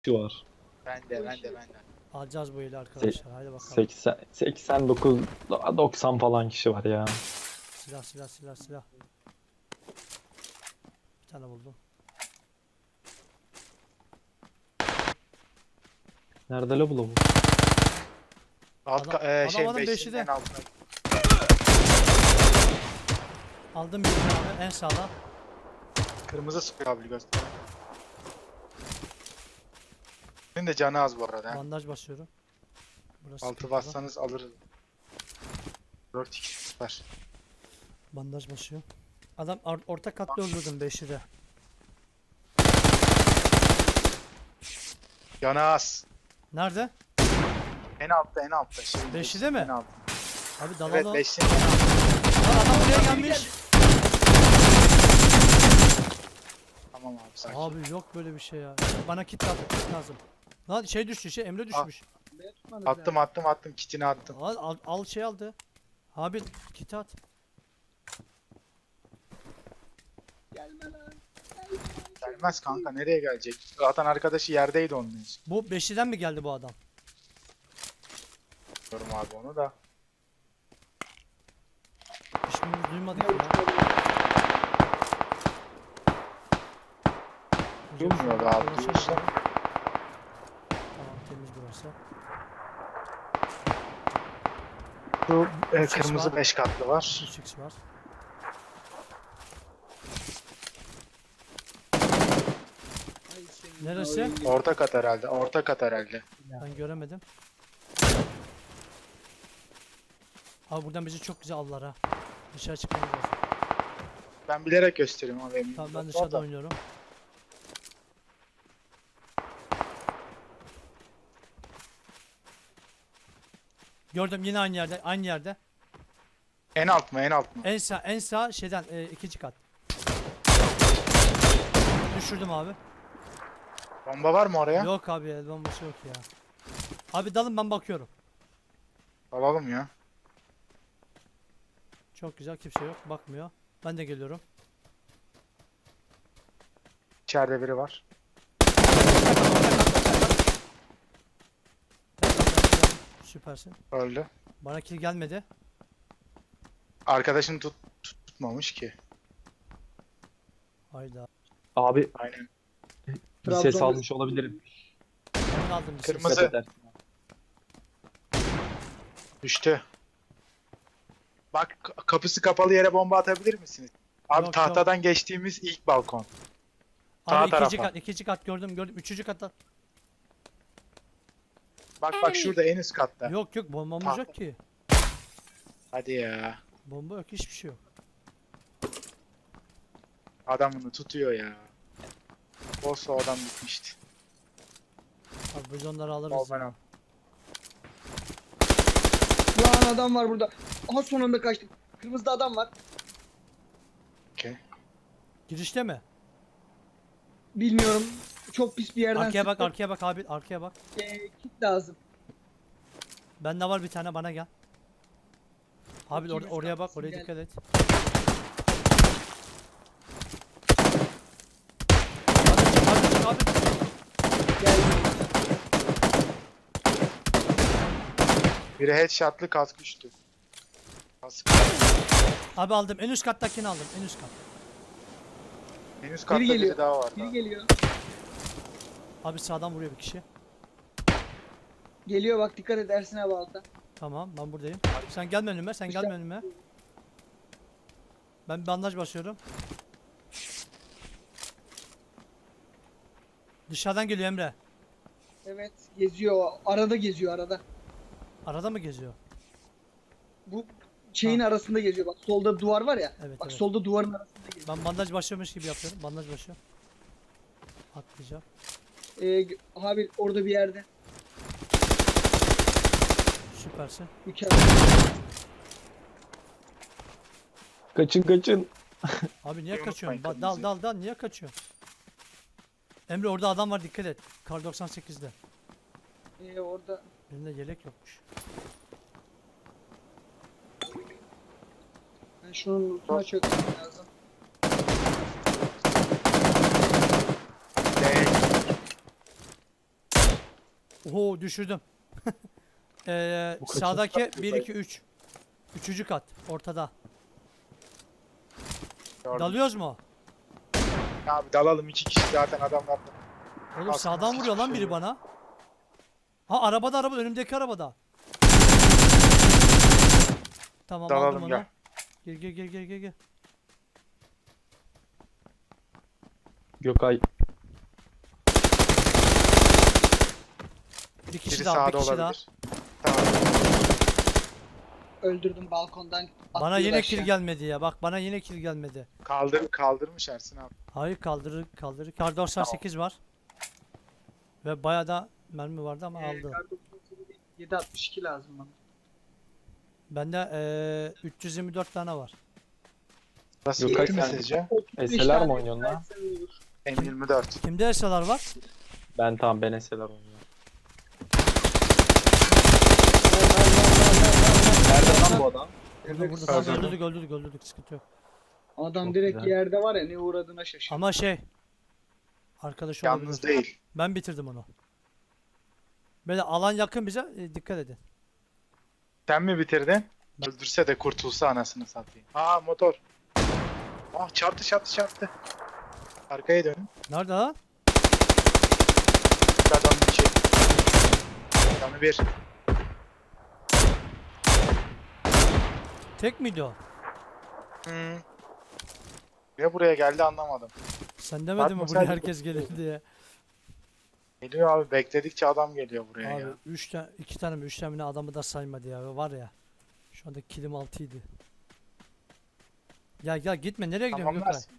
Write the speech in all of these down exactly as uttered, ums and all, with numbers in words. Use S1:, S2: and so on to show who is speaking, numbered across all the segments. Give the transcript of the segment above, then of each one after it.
S1: kişi var.
S2: Ben de ben de ben de.
S3: Alacağız bu eli arkadaşlar. Haydi bakalım.
S1: seksen, seksen dokuz, doksan falan kişi var ya.
S3: Silah silah silah silah. Bir tane buldum.
S1: Nerede la bu?
S2: Alt
S3: Adam-
S2: ka- e,
S3: adam-
S2: şey
S3: adam
S2: beşinin
S3: beşi de.
S2: en altına.
S3: Aldım bir tane abi en sağda.
S2: Kırmızı sıkıyor abi göster. Senin de canı az bu arada. he.
S3: Bandaj basıyorum. Burası
S2: Altı
S3: sıkıntılı.
S2: bassanız alırız. dört iki süper.
S3: Bandaj basıyor. Adam or- orta katlı öldürdüm beşi de.
S2: Canı az.
S3: Nerede?
S2: En altta en altta. Şey,
S3: Beşi
S2: beşin
S3: de mi?
S2: En altta.
S3: Abi
S2: Evet
S3: dalalım.
S2: beşin en altta.
S3: Lan adam buraya gelmiş.
S2: Tamam abi sakin.
S3: Abi yok böyle bir şey ya. Bana kit lazım, kit lazım. Lan şey düştü, şey Emre düşmüş.
S2: Attım attım attım kitini attım.
S3: Al, al, al şey aldı. Abi kit at.
S2: Gelmez kanka nereye gelecek? Zaten arkadaşı yerdeydi onun için.
S3: Bu beşiden mi geldi bu adam?
S2: Bilmiyorum abi onu da.
S3: Hiçbirimiz duymadık ya.
S2: Duymuyor be abi, duyursa.
S3: Tamam temiz burası.
S2: Şu e,
S3: Üç X
S2: kırmızı
S3: var.
S2: beş katlı var.
S3: üç x var. Neresi?
S2: Orta kat herhalde. Orta kat herhalde.
S3: Ben göremedim. Abi buradan bizi çok güzel aldılar ha. Dışarı çıkmamız lazım.
S2: Ben bilerek gösteriyorum abi. eminim.
S3: Tamam ben
S2: Orada.
S3: dışarıda oynuyorum. Gördüm yine aynı yerde, aynı yerde.
S2: En alt mı en alt mı?
S3: En sağ, en sağ şeyden e, ikinci kat. Düşürdüm abi.
S2: Bomba var mı oraya?
S3: Yok abi el bombası yok ya. Abi dalın ben bakıyorum.
S2: Alalım ya.
S3: Çok güzel kimse yok bakmıyor. Ben de geliyorum.
S2: İçeride biri var.
S3: Süpersin.
S2: Öldü.
S3: Bana kill gelmedi.
S2: Arkadaşını tut, tut- tutmamış ki.
S3: Hayda.
S1: Abi
S2: Aynen.
S1: bir ses
S4: Trabzon-
S1: almış olabilirim.
S3: Ben aldım bir ses.
S2: Kırmızı.
S1: Dikkat eder.
S2: Düştü. Bak k- kapısı kapalı yere bomba atabilir misiniz? Abi
S3: Yok,
S2: tahtadan geçtiğimiz ilk balkon. Sağ
S3: Abi ikinci
S2: tarafa.
S3: kat, ikinci kat gördüm gördüm. Üçüncü katta.
S2: Bak bak şurada en üst katta.
S3: Yok yok bombamız
S2: Tahta.
S3: yok ki.
S2: Hadi ya.
S3: Bomba yok hiçbir şey yok.
S2: Adamını tutuyor ya. Olsa o adam bitmişti.
S3: Abi biz onları alırız.
S2: Al ben
S3: ya.
S2: al.
S4: Lan adam var burada. Aha son anda kaçtık. Kırmızıda adam var.
S2: Okey.
S3: Girişte mi?
S4: Bilmiyorum. Çok pis bir yerden
S3: Arkaya bak
S4: sıktı.
S3: arkaya bak abi arkaya bak.
S4: Ee, kit lazım.
S3: Bende var bir tane bana gel. Abi
S4: Bakayım
S3: or- oraya bak
S4: üstüne,
S3: oraya
S4: gel.
S3: dikkat et. Abi, abi, abi.
S4: Geldi.
S2: Biri headshotlı kask düştü. Kask.
S3: Abi aldım en üst kattakini aldım en üst kat.
S2: En üst katta biri,
S4: geliyor.
S2: daha var.
S4: Biri
S2: daha.
S4: geliyor.
S3: Abi sağdan vuruyor bir kişi.
S4: Geliyor bak dikkat et Ersin abi altta.
S3: Tamam ben buradayım. Sen gelme önüme sen
S4: İşte-
S3: gelme önüme. Ben bandaj basıyorum. Dışarıdan geliyor Emre.
S4: Evet geziyor. Arada geziyor arada.
S3: Arada mı geziyor?
S4: Bu şeyin arasında geziyor. Bak solda duvar var ya.
S3: Evet,
S4: bak
S3: evet.
S4: solda duvarın arasında geziyor.
S3: Ben bandaj başlıyormuş gibi yapıyorum. Bandaj başlıyorum. Atlayacağım.
S4: Ee, abi orada bir yerde.
S3: Süpersin.
S4: Mükemmel.
S1: Kaçın kaçın.
S3: Abi niye
S2: Unutmayın
S3: kaçıyorsun? Ba- dal
S2: kırmızıyı.
S3: dal dal niye kaçıyorsun? Emre orada adam var dikkat et. Kar doksan sekizde.
S4: Ee, orada.
S3: Elinde yelek yokmuş.
S4: Ben şunun lootuna çökmem lazım.
S2: Değil.
S3: Oho düşürdüm. ee,
S1: Bu kaçıncı
S3: sağdaki
S1: kat
S3: bir
S1: bu
S3: iki üç. Üçüncü kat ortada.
S2: Gördüm.
S3: Dalıyoruz mu?
S2: Abi dalalım iki kişi zaten adamlar.
S3: Oğlum
S2: Aslında
S3: sağdan vuruyor lan
S2: hiçbir
S3: biri
S2: şey yok.
S3: bana. Ha arabada araba önümdeki arabada. Tamam aldım
S2: Dalalım
S3: onu.
S2: gel.
S3: Gel gel gel gel gel gel.
S1: Gökay
S3: Bir kişi
S2: Biri
S3: daha, bir
S2: sağda
S3: kişi daha.
S2: olabilir. Tamam.
S4: Öldürdüm balkondan.
S3: Bana
S4: atlıyor
S3: yine
S4: aşağı.
S3: kill gelmedi ya. Bak bana yine kill gelmedi.
S2: Kaldır, kaldırmış Ersin abi.
S3: Hayır kaldırır kaldırır. Kar doksan sekiz var. Ve bayağı da mermi vardı ama
S4: Ee,
S3: aldı.
S4: kar doksan sekiz değil, yedi altmış iki lazım bana.
S3: Bende eee üç yüz yirmi dört tane var.
S2: Nasıl
S1: Gökay
S2: gitti mi
S1: sen-
S2: sizce?
S4: otuz beş
S1: Eseler mi
S4: tane
S1: oynuyorsun lan?
S4: versen olur.
S2: M yirmi dört.
S3: Kimde esalar var?
S1: ben tamam ben eseler oynuyorum. Nerede lan bu adam?
S3: Burada
S4: Evet,
S3: burada tamam
S2: Öldürdüm.
S3: öldürdük öldürdük öldürdük sıkıntı yok.
S4: Adam
S1: Çok
S4: direkt
S1: güzel.
S4: yerde var ya ne uğradığına şaşırdı.
S3: Ama şey arkadaş
S2: Yalnız
S3: olabilir.
S2: değil.
S3: Ben bitirdim onu. Böyle alan yakın bize e, dikkat edin.
S2: Sen mi bitirdin? Öldürse de kurtulsa anasını satayım. Aa motor. Ah çarptı çarptı çarptı. Arkaya dönün.
S3: Nerede ha?
S2: Adam bir şey. Adamı bir.
S3: Tek miydi o?
S2: Hmm. Ve buraya geldi anlamadım.
S3: Sen demedin mi
S2: Fatma,
S3: buraya
S2: sen-
S3: herkes gelir diye.
S2: Geliyor abi bekledikçe adam geliyor buraya
S3: Abi
S2: ya.
S3: üç tane iki tane mi üç tane mi ne adamı da saymadı ya var ya. Şu anda kilim altıydı. Ya gel gitme nereye gidiyorsun Gökay?
S2: Tamamlarsın.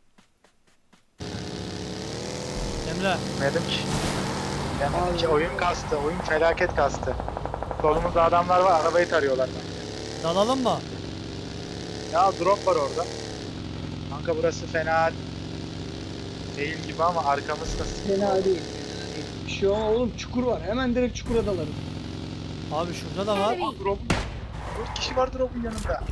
S3: Emre
S2: Demedim ki. Demedim ki oyun kastı. Oyun felaket kastı. Solumuzda adamlar var. Arabayı tarıyorlar bence.
S3: dalalım mı?
S2: Ya drop var orada. Kanka burası fena değil gibi ama arkamız nasıl?
S4: Fena değil. Fena değil. Bir şey olmaz oğlum, çukur var. Hemen direkt çukura dalarım.
S3: Abi şurada da var.
S2: Aa, drop. Dört kişi var drop'un yanında.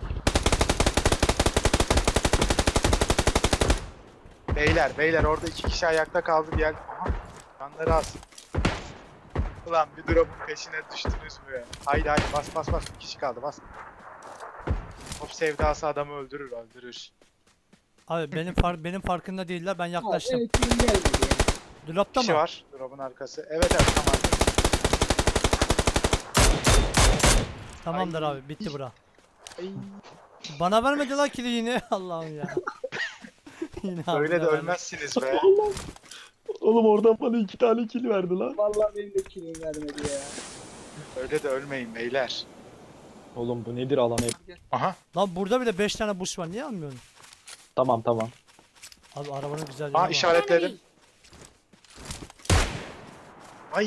S2: Beyler beyler orada iki kişi ayakta kaldı gel. Aha. Canları az. Ulan bir drop'un peşine düştünüz mü ya? Haydi haydi bas bas bas bir kişi kaldı bas. Top sevdası adamı öldürür öldürür.
S3: Abi benim far benim farkında değiller ben yaklaştım.
S4: Abi, evet, kimin gelmedi ya.
S3: Dropta
S2: Kişi
S3: mı?
S2: var drop'un arkası. Evet evet tamam.
S3: Tamamdır
S2: Ay.
S3: abi bitti bura.
S2: Ay,
S3: Bana vermedi lan kili yine. Allah'ım ya. Yine
S2: Öyle de
S3: abine verdi.
S2: ölmezsiniz be.
S1: Oğlum oradan bana iki tane kill verdi lan.
S4: Vallahi benim de kimin vermedi ya.
S2: Öyle de ölmeyin beyler.
S1: Oğlum bu nedir alan hep?
S2: Aha.
S3: Lan burada bile beş tane boost var niye almıyorsun?
S1: Tamam tamam.
S3: Abi arabanın güzel yeri
S2: Aa
S3: var.
S2: işaretledim. Ay.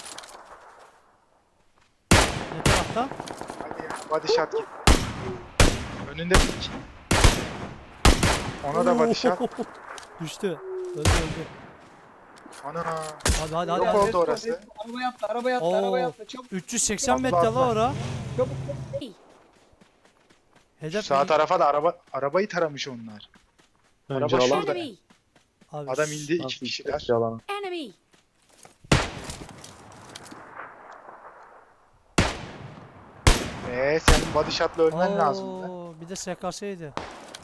S3: Ne tarafta?
S2: Hadi ya body shot git. Önünde pik. Ona da body shot.
S3: Düştü. Öldü öldü.
S2: Ana.
S3: Hadi hadi hadi.
S2: Yok
S3: hadi.
S2: oldu orası.
S4: Araba yaptı, araba yaptı,
S3: Oo.
S4: araba yaptı. Çabuk,
S3: üç yüz seksen
S2: Atla,
S3: metre
S2: atla.
S3: la ora.
S4: çabuk, çabuk.
S3: Hedef
S2: Sağ
S3: iyi.
S2: tarafa da araba arabayı taramış onlar.
S1: Önce
S2: Araba
S1: alan.
S2: şurada.
S5: Enemy!
S3: Abi,
S2: Adam indi iki
S1: Nasıl
S2: kişiler.
S1: iki alan?
S5: Enemy!
S2: Eee senin body shot'la ölmen lazımdı.
S3: Oo, bir de S K S'ydi.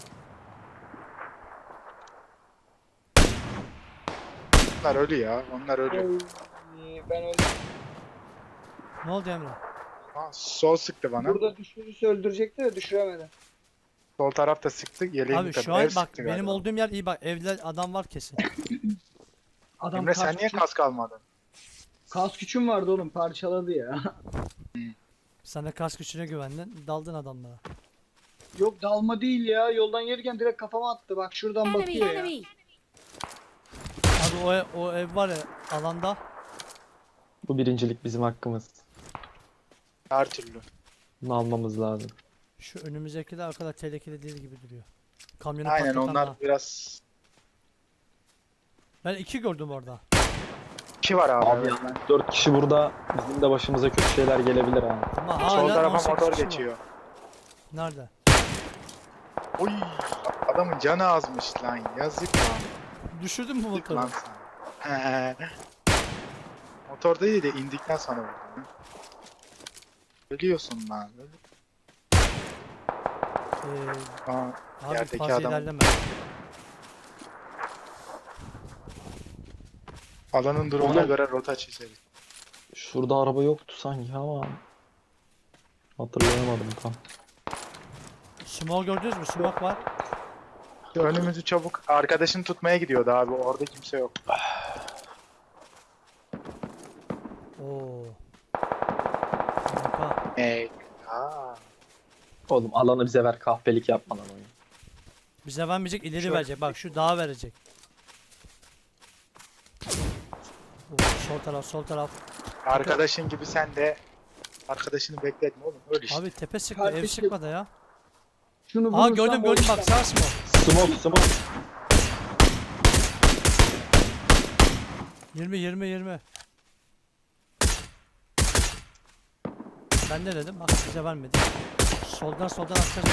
S2: Onlar ölü ya. Onlar ölü.
S4: Oy, ben öldüm.
S3: Ne oldu Emre?
S2: Ha, sol sıktı bana.
S4: Burada düşürürse öldürecekti de düşüremedi.
S2: Sol taraf da sıktı. Yeleğimi
S3: Abi
S2: tabii.
S3: şu an
S2: Ev
S3: bak
S2: sıktı
S3: benim
S2: galiba.
S3: olduğum yer iyi bak evde adam var kesin.
S4: Adam
S2: Emre sen
S4: kas
S2: niye
S4: küçük-
S2: kask almadın?
S4: Kas küçüm vardı oğlum, parçaladı ya.
S3: Sana kas güçüne güvendin daldın adamlara.
S4: Yok dalma değil ya, yoldan gelirken direkt kafama attı, bak şuradan
S5: Enemy!
S4: bakıyor ya.
S5: Enemy!
S3: Abi o, ev- o ev var ya alanda.
S1: Bu birincilik bizim hakkımız.
S2: Her türlü.
S1: Bunu almamız lazım.
S3: Şu önümüzdeki de o kadar tehlikeli değil gibi duruyor. Kamyonu
S2: Aynen
S3: patlatan
S2: onlar
S3: da.
S2: biraz...
S3: Ben iki gördüm orada.
S2: İki var abi.
S1: Abi
S2: evet.
S1: ya dört kişi burada bizim de başımıza kötü şeyler gelebilir ha.
S3: Ama
S2: Sol
S3: hala on
S2: tarafa
S3: sekiz
S2: motor
S3: kişi var.
S2: geçiyor.
S3: Nerede?
S2: Oy, adamın canı azmış lan. Yazık lan.
S3: Düşürdün mü
S2: Yazık
S3: motoru?
S2: lan sana. Motorda değil de indikten sonra vurdum. Ölüyorsun lan. Öl-
S3: Ee,
S2: Aa,
S3: abi
S2: Yerdeki
S3: fazla
S2: adam-
S3: ilerleme.
S2: alanın durumuna
S1: Oğlum.
S2: göre rota çizeriz.
S1: Şurada araba yoktu sanki ama hatırlayamadım tam.
S3: Smoke gördünüz mü? Smoke var.
S2: Şu önümüzü çabuk. Arkadaşını tutmaya gidiyordu abi. Orada kimse yok.
S3: Oo. Kanka.
S2: Ey. Aa.
S1: Oğlum alanı bize ver, kahpelik yapma lan oyun.
S3: Bize vermeyecek, ileri
S2: Şu-
S3: verecek. Bak şu dağa verecek. Oo, sol taraf, sol taraf.
S2: Arkadaşın gibi sen de arkadaşını bekletme oğlum. Öyle işte.
S3: Abi tepe sıktı, ev
S4: Kardeşim.
S3: sıkmadı ya.
S4: Şunu
S3: Aa
S4: vurursam
S3: gördüm gördüm bak
S4: olursa-
S3: sağ smoke.
S1: Smoke smoke.
S3: yirmi yirmi yirmi. Ben ne dedim? Bak bize vermedi. Soldan soldan atacağız.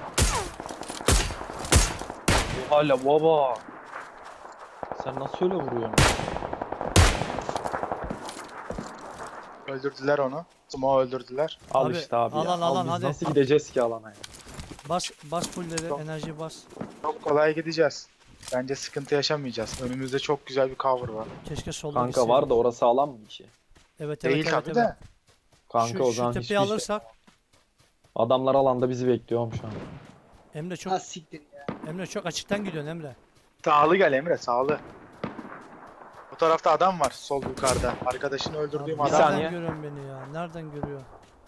S1: Bu hala baba. Sen nasıl öyle vuruyorsun?
S2: Öldürdüler onu. Sumo öldürdüler.
S1: Al
S3: Abi,
S1: işte abi ya.
S3: alan,
S1: Al,
S3: alan,
S1: biz
S3: hadi.
S1: nasıl gideceğiz ki alana ya?
S3: Bas bas fullleri,
S2: Yok.
S3: enerji bas.
S2: Çok kolay gideceğiz. Bence sıkıntı yaşamayacağız. Önümüzde çok güzel bir cover var.
S3: Keşke solda
S1: Kanka
S3: gitseydik.
S1: var da orası alan mı ki?
S3: Evet evet
S2: Değil
S3: evet.
S2: tabii
S3: evet.
S2: de.
S1: Kanka
S3: Şu,
S1: o
S3: şu
S1: zaman
S3: tepeyi
S1: hiçbir şey.
S3: alırsak
S1: Adamlar alanda bizi bekliyorum şu an.
S3: Emre çok
S4: Ha siktir ya.
S3: Emre çok açıktan gidiyorsun Emre.
S2: Sağlı gel Emre, sağlı. Bu tarafta adam var sol yukarıda. Arkadaşını
S3: Abi,
S2: öldürdüğüm
S1: bir
S2: adam.
S3: nereden
S1: saniye.
S3: görüyorsun beni ya? Nereden görüyor?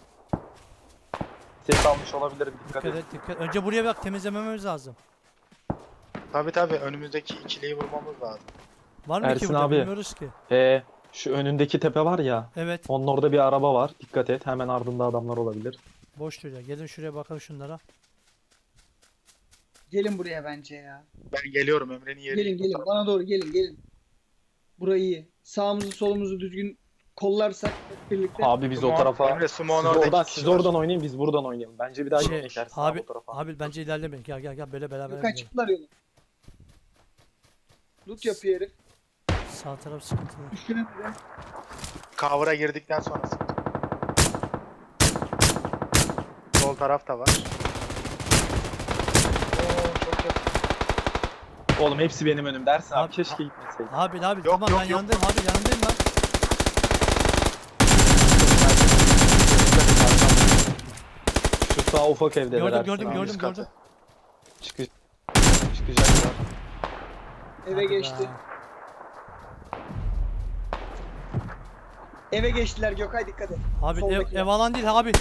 S1: Ses almış olabilir, dikkat
S3: Dikkat
S1: et.
S3: et dikkat. Önce buraya bak temizlememiz lazım.
S2: Tabi tabi önümüzdeki ikiliyi vurmamız lazım.
S3: Var mı ki
S1: Ersin
S3: burada
S1: abi.
S3: bilmiyoruz ki.
S1: Ee, şu önündeki tepe var ya.
S3: Evet
S1: Onun orada bir araba var. Dikkat et. Hemen ardında adamlar olabilir.
S3: boş duruyor. Gelin şuraya bakalım şunlara.
S4: Gelin buraya bence ya.
S2: Ben geliyorum Emre'nin yerine.
S4: Gelin gelin bana doğru gelin gelin. Burayı iyi. Sağımızı solumuzu düzgün kollarsak hep birlikte.
S1: Abi biz o
S2: Sumo-
S1: tarafa
S2: Emre
S1: siz
S2: Sumo'nun orada
S1: oradan,
S2: iki kişi
S1: siz
S2: var.
S1: oradan oynayın, biz buradan oynayalım. Bence bir daha
S3: Şey,
S1: şey, Ersin
S3: abi,
S1: abi o tarafa.
S3: abi bence ilerlemeyin. Gel gel gel böyle beraber
S4: Gökay
S3: gidelim.
S4: çıktılar yola. Loot yapıyor herif.
S3: Sağ taraf sıkıntılı.
S4: Üstüne bir de.
S2: Cover'a girdikten sonra sıkıntı. Sol taraf da var. Oo, çok yakın.
S1: Oğlum hepsi benim önümde. Ersin abi,
S3: Abi-
S1: keşke gitmeseydi.
S3: Abi abi
S2: Yok,
S3: tamam
S2: yok,
S3: ben
S2: yok.
S3: yanındayım abi yanındayım ben.
S1: Şu sağ ufak evdeler
S3: Gördüm,
S1: Ersin
S3: gördüm,
S1: abi.
S3: gördüm.
S2: Üst katı.
S1: Çıkı çıkacaklar.
S4: Eve
S3: Hadi
S4: geçti.
S3: be.
S4: Eve geçtiler Gökay dikkat et.
S3: Abi ev,
S4: Soldaki.
S3: ev alan değil abi.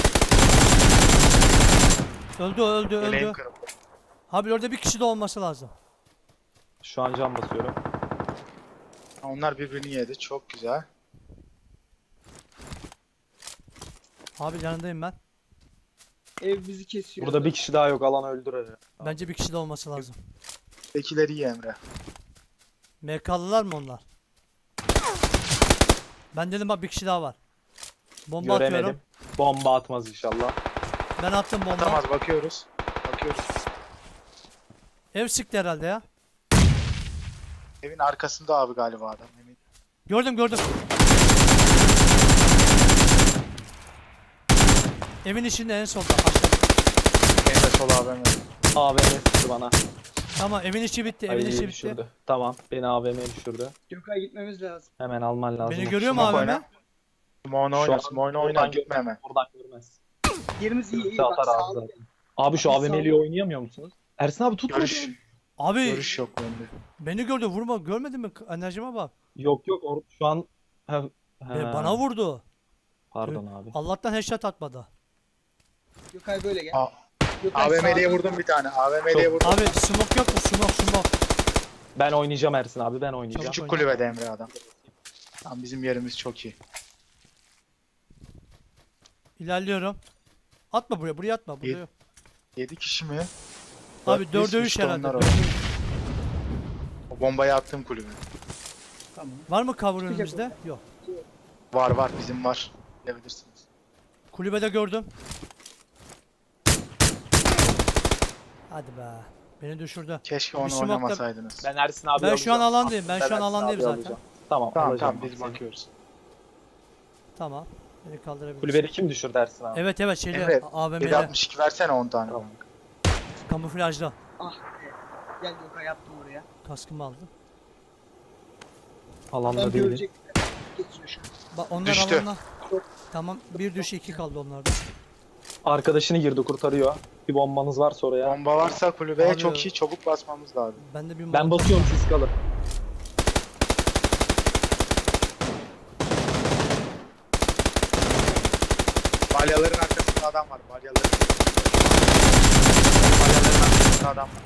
S3: Öldü öldü
S2: Eleğim
S3: öldü.
S2: kırıldı.
S3: Abi orada bir kişi de olması lazım.
S1: Şu an cam basıyorum.
S2: Onlar birbirini yedi. Çok güzel.
S3: Abi yanındayım ben.
S4: Ev bizi kesiyor.
S1: Burada bir kişi daha yok. Alan öldürer.
S3: Bence bir kişi de olması lazım.
S2: Tekileri iyi Emre.
S3: M K'lılar mı onlar? Ben dedim bak bir kişi daha var. Bomba
S1: Göremedim.
S3: atıyorum.
S1: Bomba atmaz inşallah.
S3: Ben attım bomba.
S2: Atamaz bakıyoruz. Bakıyoruz.
S3: Ev sıktı herhalde ya.
S2: Evin arkasında abi galiba adam. Emin.
S3: Gördüm gördüm. Evin içinde en solda aşağıda.
S2: Emre sol A V M.
S1: A V M sıktı bana.
S3: Tamam evin içi bitti. Evin
S1: Ay,
S3: içi bitti.
S1: düşürdü. Tamam. Beni A V M'ye düşürdü.
S4: Gökay gitmemiz lazım.
S1: Hemen alman lazım.
S3: Beni görüyor mu
S2: Smoke
S3: abi?
S2: oyna. Smoke'unu
S1: Şu
S2: oyna.
S1: an
S2: Smoke'unu oyna.
S1: buradan
S2: Gitme hemen.
S1: Buradan görmez.
S4: Yerimiz iyi iyi.
S1: Görürse
S4: Bak
S1: atar abi
S4: sağ
S1: zaten. Abi şu
S4: Abi
S1: A V M'liyi
S4: sağ-
S1: oynayamıyor musunuz? Ersin abi tut
S2: Görüş.
S1: bunu.
S3: Abi
S2: Görüş yok bende.
S3: beni gördü vurma görmedin mi? Enerjime bak.
S1: Yok yok or- şu an ha, ha,
S3: E, bana vurdu.
S1: Pardon abi.
S3: Allah'tan headshot atmadı.
S4: Gökay böyle gel.
S2: A-
S4: Gökay
S2: AVM'liye
S4: sağda.
S2: vurdum bir tane. AVM'liye
S1: Çok-
S2: vurdum.
S3: Abi smoke yok mu? Smoke smoke.
S1: Ben oynayacağım Ersin abi, ben oynayacağım.
S2: Küçük
S3: oyna.
S2: kulübede Emre adam. Tam bizim yerimiz çok iyi.
S3: İlerliyorum. Atma buraya. Buraya atma. Buraya.
S2: İyi.
S3: yok.
S2: yedi kişi mi?
S3: Abi
S2: Dört,
S3: dörde
S2: beş,
S3: üç
S2: işte
S3: herhalde.
S2: onlar
S3: dörde
S2: o.
S3: üç.
S2: O bombayı attığım kulübe.
S4: Tamam.
S3: Var mı cover
S4: Çıkacak
S3: önümüzde?
S4: orada.
S3: Yok.
S2: Var var bizim var. Bilebilirsiniz.
S3: Kulübede gördüm. Hadi be. Beni düşürdü.
S2: Keşke
S3: Bir
S2: onu
S3: smoke'da-
S2: oynamasaydınız.
S1: Ben Ersin abi
S3: Ben şu an
S1: alacağım.
S3: alandayım. Ben şu an
S1: Ersin
S3: alandayım
S1: abi
S3: zaten.
S1: alacağım. Tamam
S2: Tamam
S1: alacağım
S2: tamam biz
S1: seni.
S2: bakıyoruz.
S3: Tamam. Beni kaldırabilirsin.
S1: Kulübede kim düşür dersin abi?
S3: Evet evet şeyde
S2: Evet,
S3: A V M'de
S2: yedi altmış iki versene on tane.
S1: Tamam.
S3: kamuflajda.
S4: Ah be. Gel Gökay yaptım oraya.
S3: Kaskımı aldım.
S1: Alanda
S4: Adam
S1: değil.
S4: görecek. Geçiyor şu an.
S3: Bak onlar
S2: Düştü.
S3: alanda. Tamam bir düş iki kaldı onlarda.
S1: Arkadaşını girdi kurtarıyor. Bir bombanız varsa oraya.
S2: Bomba varsa kulübeye
S3: Abi-
S2: çok iyi çabuk basmamız lazım.
S3: Ben de bir
S1: Ben
S3: molotof-
S1: basıyorum siz kalın.
S2: Balyaların arkasında adam var. Balyaların. Balyaların arkasında adam var.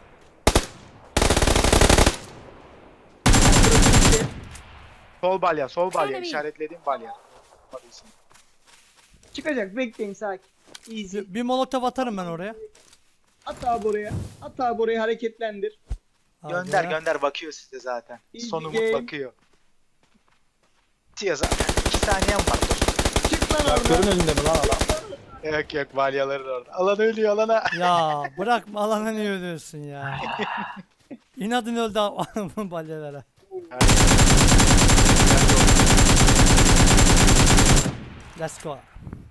S2: Sol balya, sol balya.
S5: Enemy.
S2: İşaretlediğim balya. Bakıyorsun.
S4: Çıkacak bekleyin sakin. Easy.
S3: bir, bir molotof atarım ben oraya.
S4: At abi oraya. At abi oraya hareketlendir.
S3: Hadi
S2: Gönder
S3: ya.
S2: gönder bakıyor size zaten.
S4: İyi
S2: Son
S4: bir
S2: umut
S4: game.
S2: bakıyor. Bitiyor zaten. İki saniyem var. Dur.
S4: Çık lan
S1: Traktörün
S4: oradan.
S1: önünde mi lan adam?
S2: Yok yok balyaların orada. Alan ölüyor alana.
S3: Ya bırakma alana niye ölüyorsun ya. İnadın öldü bu balyalara. Let's go.